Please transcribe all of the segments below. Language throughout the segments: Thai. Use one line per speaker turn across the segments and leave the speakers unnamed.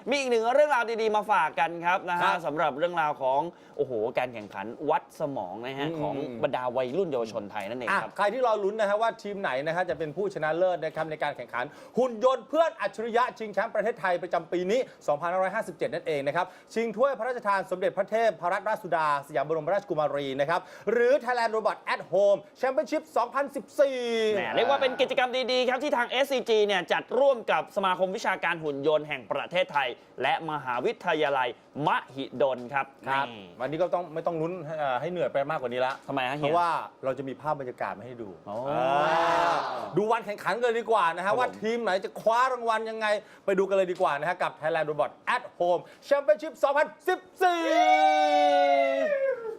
มีอีกหนึ่งเรื่องราวดีๆมาฝากกันครับนะฮะสำหรับเรื่องราวของโอ้โหการแข่งขันวัดสมองนะฮะของบรรดาวัยรุ่นเยาวชนไทยนั่นเองครับ
ใครที่รอลุ้นนะฮะว่าทีมไหนนะฮะจะเป็นผู้ชนะเลิศนะครับในการแข่งขันหุ่นยนต์เพื่อนอัจฉริยะชิงแชมป์ประเทศไทยประจำปีนี้ 2557 นั่นเองนะครับชิงถ้วยพระราชทานสมเด็จพระเทพรัตนราชสุดาสยามบรมราชกุมารีนะครับหรือ Thailand Robot at Home Championship 2014
เรียกว่าเป็นกิจกรรมดีๆครับที่ทาง SCG เนี่ยจัดร่วมกับสมาคมวิชาการหุ่นยนต์แห่งประเทศไทยและมหาวิทยาลัยมหิดลครับ
วันนี้ก็ไม่ต้องลุ้นให้เหนื่อยไปมากกว่านี้ละ
ทำไมฮะเฮีย
เพราะว่าเราจะมีภาพบรรยากาศมาให้ดูดูวันแข่งขันกันดีกว่านะฮะว่าทีมไหนจะคว้ารางวัลยังไงไปดูกันเลยดีกว่านะฮะกับ Thailand Robot at Home Championship 2014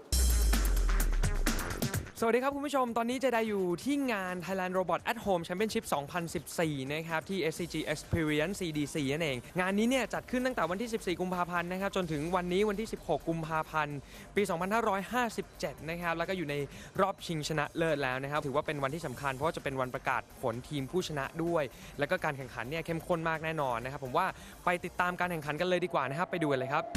สวัสดีครับคุณผู้ชมตอนนี้เจไดอยู่ที่งาน Thailand Robot at Home Championship 2014 นะครับที่ SCG Experience CDC นั่นเองงานนี้เนี่ยจัดขึ้นตั้งแต่วันที่ 14 กุมภาพันธ์นะครับจนถึงวันนี้วันที่ 16 กุมภาพันธ์ ปี 2557 นะครับแล้วก็อยู่ในรอบชิงชนะเลิศแล้วนะครับถือว่าเป็นวันที่สำคัญเพราะว่าจะเป็นวันประกาศผลทีมผู้ชนะด้วยแล้วก็การแข่งขันเนี่ยเข้มข้นมากแน่นอนนะครับผมว่าไปติดตามการแข่งขันกันเลยดีกว่านะครับไปดูกันเลยครับ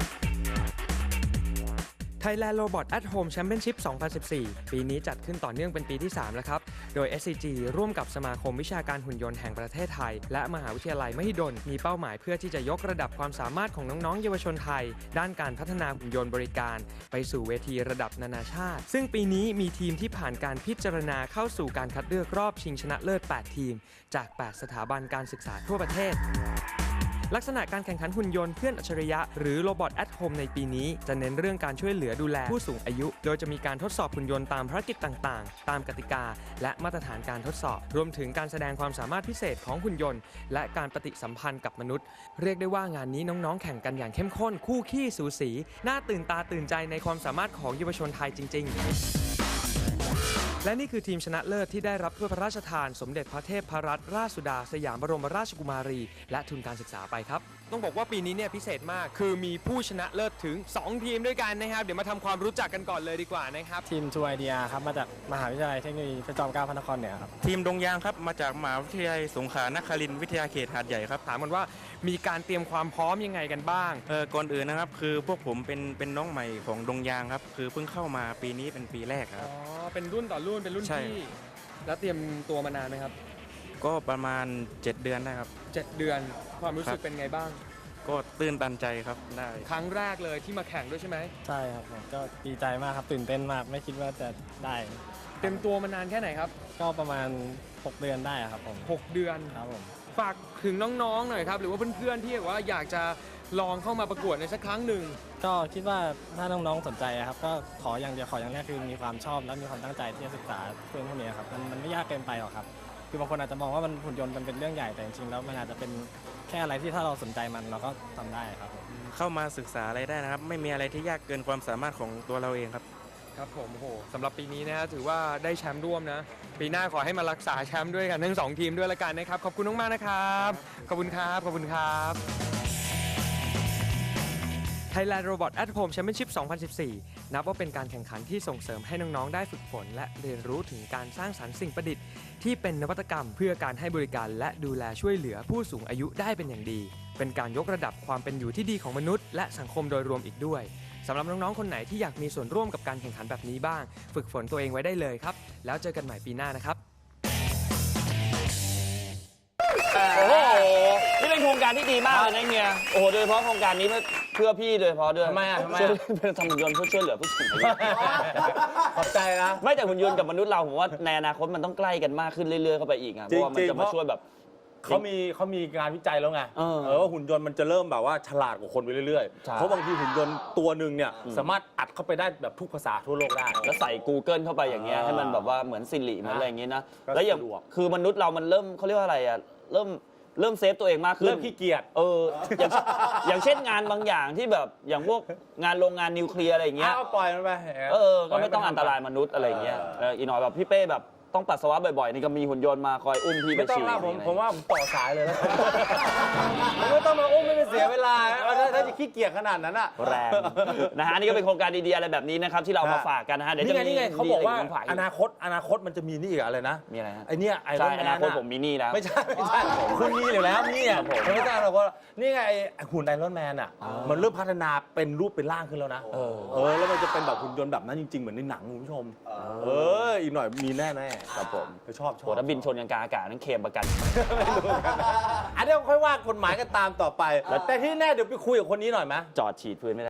Thailand Robot at Home Championship 2014 ปีนี้จัดขึ้นต่อเนื่องเป็นปีที่ 3 แล้วครับ โดย SCG ร่วมกับสมาคมวิชาการหุ่นยนต์แห่งประเทศไทยและมหาวิทยาลัยมหิดลมีเป้าหมายเพื่อที่จะยกระดับความสามารถของน้องๆเยาวชนไทยด้านการพัฒนาหุ่นยนต์บริการไปสู่เวทีระดับนานาชาติซึ่งปีนี้มีทีมที่ผ่านการพิจารณาเข้าสู่การคัดเลือกรอบชิงชนะเลิศ 8 ทีมจาก 8 สถาบันการศึกษาทั่วประเทศลักษณะการแข่งขันหุ่นยนต์เพื่อนอัจฉริยะหรือ Robot at Home ในปีนี้จะเน้นเรื่องการช่วยเหลือดูแลผู้สูงอายุโดยจะมีการทดสอบหุ่นยนต์ตามภารกิจต่างๆตามกติกาและมาตรฐานการทดสอบรวมถึงการแสดงความสามารถพิเศษของหุ่นยนต์และการปฏิสัมพันธ์กับมนุษย์เรียกได้ว่างานนี้น้องๆแข่งกันอย่างเข้มข้นคู่ขี้สูสีน่าตื่นตาตื่นใจในความสามารถของเยาวชนไทยจริงๆและนี่คือทีมชนะเลิศที่ได้รับถ้วยพระราชทานสมเด็จพระเทพรัตนราชสุดาสยามบรมราชกุมารีและทุนการศึกษาไปครับต้องบอกว่าปีนี้เนี่ยพิเศษมากคือมีผู้ชนะเลิศถึง2ทีมด้วยกันนะครับเดี๋ยวมาทำความรู้จักกันก่อนเลยดีกว่านะครับ
ทีมทูไอเดียครับมาจากมหาวิทยาลัยเทคโนโลยีพระจอมเกล้าพระนครเหนือครับ
ทีมดงยางครับมาจากมหาวิทยาลัยสงขลานครินทร์วิทยาเขตหาดใหญ่ครับ
ถามกันว่ามีการเตรียมความพร้อมยังไงกันบ้าง
ก่อนอื่นนะครับคือพวกผมเป็นน้องใหม่ของดงยางครับคือเพิ่งเข้ามาปีนี้เป็นปีแรกครับ
เป็นรุ่นต่อรุ่นเป็นรุ่นพี่แล้วเตรียมตัวมานานไหมครับ
ก็ประมาณ7 เดือนได้ครับ
7 เดือนความรู้สึกเป็นไงบ้าง
ก็ตื่นตันใจครับได้
ครั้งแรกเลยที่มาแข่งด้วยใช่ไหม
ใช่ครับผมก็ดีใจมากครับตื่นเต้นมากไม่คิดว่าจะได้
เตรียมตัวมานานแค่ไหนครับ
ก็ประมาณ6 เดือนได้ครับผม
6 เดือน
ครับผม
ฝากถึงน้องๆหน่อยครับหรือว่าเพื่อนๆที่ว่าอยากจะลองเข้ามาประกวดในสักครั้งหนึ่ง
ก็คิดว่าถ้าน้องๆสนใจครับก็ขออย่างเดียวขออย่างแรกคือมีความชอบและมีความตั้งใจที่จะศึกษาเรื่องพวกนี้ครับมันไม่ยากเกินไปหรอกครับคือบางคนอาจจะมองว่ามันหุ่นยนต์มันเป็นเรื่องใหญ่แต่จริงๆแล้วมันอาจจะเป็นแค่อะไรที่ถ้าเราสนใจมันเราก็ทำได้ครับ
เข้ามาศึกษาอะไรได้นะครับไม่มีอะไรที่ยากเกินความสามารถของตัวเราเองครับ
ครับผมโอ้โหสำหรับปีนี้นะฮะถือว่าได้แชมป์ร่วมนะปีหน้าขอให้มารักษาแชมป์ด้วยกันทั้ง2ทีมด้วยละกันนะครับขอบคุณมากๆนะครับขอบคุณครับขอบคุณครับ Thailand Robot at Home Championship 2014 นับว่าเป็นการแข่งขันที่ส่งเสริมให้น้องๆได้ฝึกฝนและเรียนรู้ถึงการสร้างสรรค์สิ่งประดิษฐ์ที่เป็นนวัตกรรมเพื่อการให้บริการและดูแลช่วยเหลือผู้สูงอายุได้เป็นอย่างดีเป็นการยกระดับความเป็นอยู่ที่ดีของมนุษย์และสังคมโดยรวมอีกด้วยสำหรับน้องๆคนไหนที่อยากมีส่วนร่วมกับการแข่งขันแบบนี้บ้างฝึกฝนตัวเองไว้ได้เลยครับแล้วเจอกันใหม่ปีหน้านะครับ
โอ้โหนี่เป็นโครงการที่ดีมากเลยนะเฮียโอ้โหโดยเฉพาะโครงการนี้เพื่อพี่โดยเฉพาะด้วย
ทำไม
เป็นหุ่นยนต์เพื่อช่วยเหลือผู้สูงอายุ
ขอบใจนะ
ไม่แต่หุ่นยนต์กับมนุษย์เราผมว่าในอนาคตมันต้องใกล้กันมากขึ้นเรื่อยๆเข้าไปอีกเพราะว่ามันจะมาช่วยแบบ
เขามีงานวิจัยแล้วไงว่าหุ่นยนต์มันจะเริ่มแบบว่าฉลาดกว่าคนไปเรื่อยๆเพราะบางทีหุ่นยนต์ตัวหนึ่งเนี่ยสามารถอัดเข้าไปได้แบบทุกภาษาทั่วโลกได้
แล้วใส่ Google เข้าไปอย่างเงี้ยให้มันแบบว่าเหมือนซิริเหมือนอะไรอย่างเงี้ยนะแล้วอย่างคือมนุษย์เรามันเริ่มเขาเรียกว่าอะไรอ่ะเริ่มเซฟตัวเองมากขึ้น
เริ่มขี้เกียจ
อย่างเช่นงานบางอย่างที่แบบอย่างพวกงานโรงงานนิวเคลียร์อะไรอย่างเงี้ย
ปล่อยมันไป
ก็ไม่ต้องอันตรายมนุษย์อะไรอย่างเงี้ยอีกหน่อยแบบพี่เป้แบบต้องปัสสาวะบ่อยๆนี่ก็มีหุ่นยนต์มาคอยอุ้มพี่ไปฉี่
ผมว่าผมต่อสายเลยแล้วไม่ต้องมาอุ้มไม่เสียเวลาถ้แล้วจะขี้เกียจขนาดนั้นอ่ะ
แรงนะฮะนี่ก็เป็นโครงการดีๆอะไรแบบนี้นะครับที่เรามาฝากกันนะฮะเดี๋ยวจะมี
นี่ไงเขาบอกว่า
ดีะไร
อนาคตมันจะมีนี่อีกอะไรนะ
มีอะไรฮะ
ไอเนี่ยไอร
ใช่
อนแม
อน นาคต
อะ
ผมมีหนี่แล้ว
ไม่ใช่คุณมีอยู่แล้วเนี่ย
ครับผม
ไม่ใช่เราก็นี่ไงไอ้หุ่นไอรอนแมนอ่ะมันเริ่มพัฒนาเป็นรูปเป็นร่างขึ้นแล้วนะแล้วมันจะเป็นแบบหุ่นยนต์แบบนั้นจริงๆเหมือนในหนังคุณผู้ชมอีกหน่อยมีแน่ๆครับผมชอบ
โหถ้าบินชนกันกลางอากาศนั่นเคลมประกัน
อันนี้ค่อยว่ากฎหมายกันตามต่อไปแต่ที่แน่เดี๋ยวไปคุยกับคนนี้หน่อยไหม
จอดฉีดพื้นไม่ได้